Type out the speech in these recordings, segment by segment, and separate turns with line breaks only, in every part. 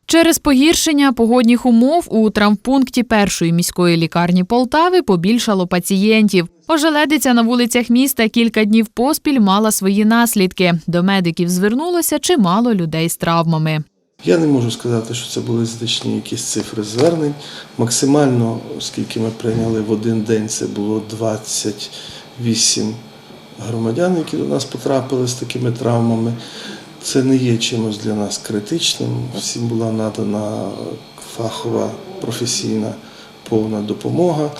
Через погіршення погодних умов у травмпункті першої міської лікарні Полтави побільшало пацієнтів. Ожеледиця на вулицях міста кілька днів поспіль мала свої наслідки. До медиків звернулося чимало людей з травмами.
Я не можу сказати, що це були значні якісь цифри звернень. Максимально, оскільки ми прийняли в один день, це було 28 громадян, які до нас потрапили з такими травмами. Це не є чимось для нас критичним. Всім була надана фахова, професійна, повна допомога.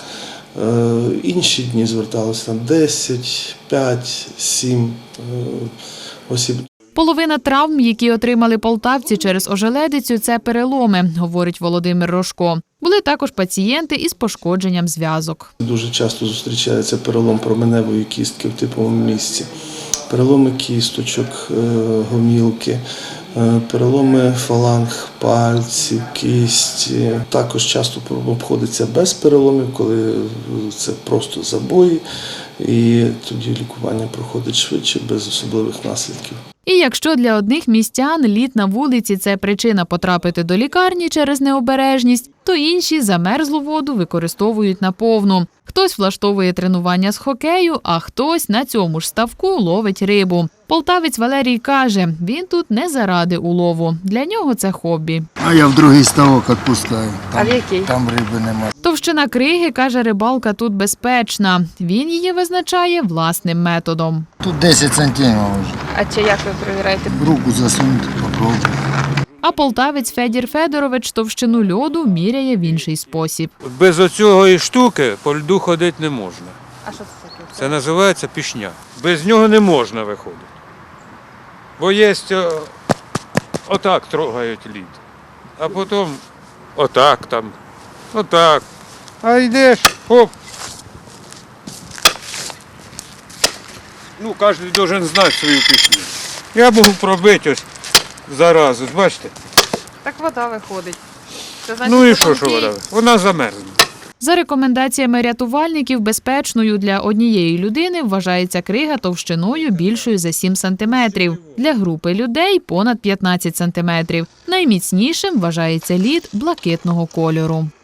Інші дні зверталися там 10, 5, 7 осіб.
Половина травм, які отримали полтавці через ожеледицю, це переломи, говорить Володимир Рожко. Були також пацієнти із пошкодженням зв'язок.
Дуже часто зустрічається перелом променевої кістки в типовому місці, переломи кісточок, гомілки, переломи фаланг, пальців, кісті. Також часто обходиться без переломів, коли це просто забої, і тоді лікування проходить швидше, без особливих наслідків.
І якщо для одних містян лід на вулиці – це причина потрапити до лікарні через необережність, то інші замерзлу воду використовують наповну. Хтось влаштовує тренування з хокею, а хтось на цьому ж ставку ловить рибу. Полтавець Валерій каже, він тут не заради улову. Для нього це хобі.
А я в другий ставок відпускаю.
А в який?
Там риби немає.
Товщина криги, каже рибалка, тут безпечна. Він її визначає власним методом.
Тут 10 сантимів вже.
А чи як ви перевіряєте?
Руку засунути, попробую.
А полтавець Федір Федорович товщину льоду міряє в інший спосіб.
Без оцього штуки по льду ходити не можна.
А що це таке?
Це називається пішня. Без нього не можна виходити. Бо є отак трогають лід, а потім отак там, отак. А йдеш, хоп. Ну, кожен має знати свою пісню. Я можу пробити ось зараз, ось бачите?
Так вода виходить. Це значить,
Ну і що вода? Вона замерзне.
За рекомендаціями рятувальників, безпечною для однієї людини вважається крига товщиною більшою за 7 сантиметрів. Для групи людей – понад 15 сантиметрів. Найміцнішим вважається лід блакитного кольору.